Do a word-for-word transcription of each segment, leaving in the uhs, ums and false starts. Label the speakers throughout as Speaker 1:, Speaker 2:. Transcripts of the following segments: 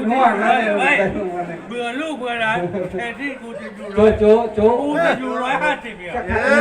Speaker 1: นวดเลย
Speaker 2: เบื่อลูกเบื่อหลานแทนที่กูจะอยู่
Speaker 1: โจโจโจ
Speaker 2: กูจะอยู่ร้อยห้าสิบเนี่ย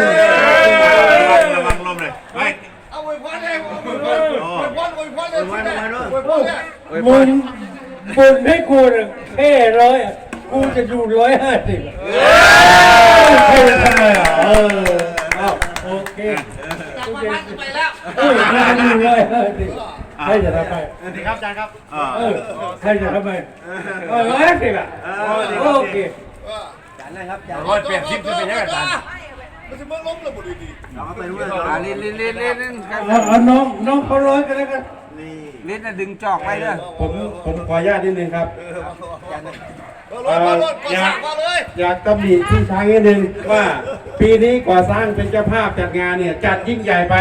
Speaker 3: ระวังลมเลยไป
Speaker 4: เอาไว้พอเลยเอาไว้พอไว้พอไว้พอเลยไว้พอเลย
Speaker 1: มึงบุญให้กูเนี่ยแค่ร้อยกูจะอยู่ร้อยห้าสิบใครจะทำไมอ่ะเออเอาโอเค
Speaker 4: จากวันพักไปแล้ว
Speaker 1: เออใครจะอยู่ร้อยห้าสิบใครจะทำไม
Speaker 3: สวัสดีครับอาจารย์ครับ
Speaker 1: เออใครจะทำไมเออร้อยห้าสิบอ่ะโอเค
Speaker 3: ร้อยแปดสิบจะเป็นยังไงอาจารย์
Speaker 4: มันจะมาล้มระบบดี
Speaker 3: เราไปด้วยกันลิ้นลิ้นลิ้นลิ้น
Speaker 1: เอาน้องน้องเขาร้อยกันแล้วกัน
Speaker 3: ลิ้นน่ะดึงจอกไปเด้อ
Speaker 5: ผมผมขออนุญาตนิดนึงครับ
Speaker 4: รถรถก็สั่งมาเลย
Speaker 5: อยากตำหนิพี่ช้างนิดนึงว่าปีนี้ก่อสร้างเป็นเจ้าภาพจัดงานเนี่ยจัดยิ่งใหญ่ไป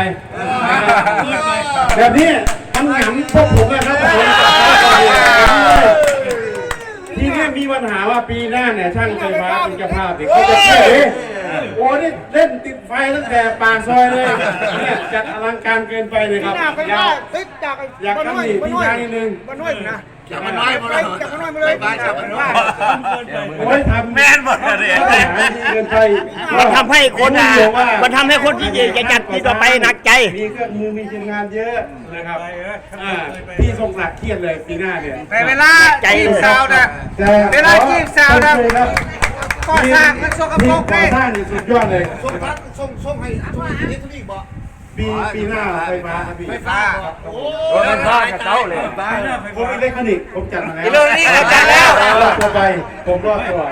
Speaker 5: แบบนี้มันหงำพวกผมนะครับผมทีนี้มีปัญหาว่าปีหน้าเนี่ยช่างไฟฟ้าเป็นเจ้าภาพเด็กเขาจะเชื่อเลยโอ้นี่เล่นติดไฟตั้งแต่ปากซอยเลยเนี่ยจัดอลังการเกินไปเลยครับอยาก
Speaker 6: ติดจาก
Speaker 5: อยากตำหนิพี่ช้างนิดนึง
Speaker 6: บ้านน้อยนะ
Speaker 3: จับมันน้อยมาเลย
Speaker 6: จากบ้านน้อยมาเลย
Speaker 3: ไปจับมันน้อย
Speaker 5: โอ้ยทำ
Speaker 3: แม่นหมดเลย
Speaker 5: เกินไป
Speaker 6: มันทำให้คนอ่ะมันทำให้คนที่จะจัดที่ต่อไปหนักใจ
Speaker 5: มีเครื่องมือมีทีมงานเยอะนะครับอ่าพี่ทรงศักดิ์เครียดเลยปีหน้าเนี่ย
Speaker 3: แต่เวลาจีบสาวนะ
Speaker 5: แต่
Speaker 3: เวลาจีบสาวนะ
Speaker 5: ก่อสร้างมันสกปรกเลยก่อสร้างนี่สุดยอดเลย
Speaker 4: ส่งทักส่งส่งให้ส่งให้นี่ทุกทีบอก
Speaker 5: ปีปีหน้าไฟฟ้าครับพี่
Speaker 4: ไฟฟ้าโอ้
Speaker 3: รถฟ้ากับเขาเลย
Speaker 5: ผมอิเล็กทรอนิกส์ผมจัดมาแล้ว
Speaker 3: อิเล็กทรอนิกส์จัดแล้ว
Speaker 5: รอดตัวไปผมรอดตัว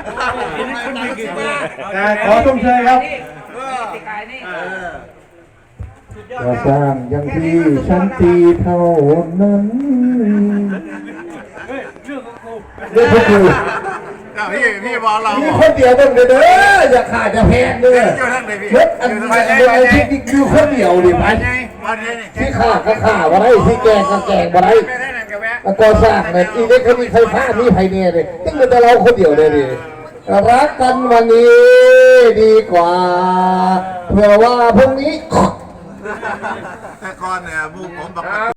Speaker 5: แต่ขอชมเชยครับ
Speaker 7: ก่อสร้างอย่างที่ชั้นตีเท่านั้นเรื่องของกู
Speaker 3: พี่พี่บอกเรา
Speaker 7: มีคนเดียวต้องเด้ออย่าขาดอย่าแพงเด้อ
Speaker 3: อยู่ทั้งเลยพี่
Speaker 7: รถอันนี้อันนี้ที่คือคนเดียวดิมัน
Speaker 3: วันนี้
Speaker 7: ที่ขาก็ขาบ่ได้ที่แกงก็แกงบ่ได้
Speaker 3: ไม่ได้นั่นกับแม่
Speaker 7: แล้วก่อสร้างเนี่ยอีเล็กทรอนิกส์ไฟฟ้ามีไผเนี่ยเลยต้องเป็นแต่เราคนเดียวเลยดิรักกันวันนี้ดีกว่าเผื่อว่าพรุ่งนี้
Speaker 3: แต่ก่อนเนี่ยบุกผมบอก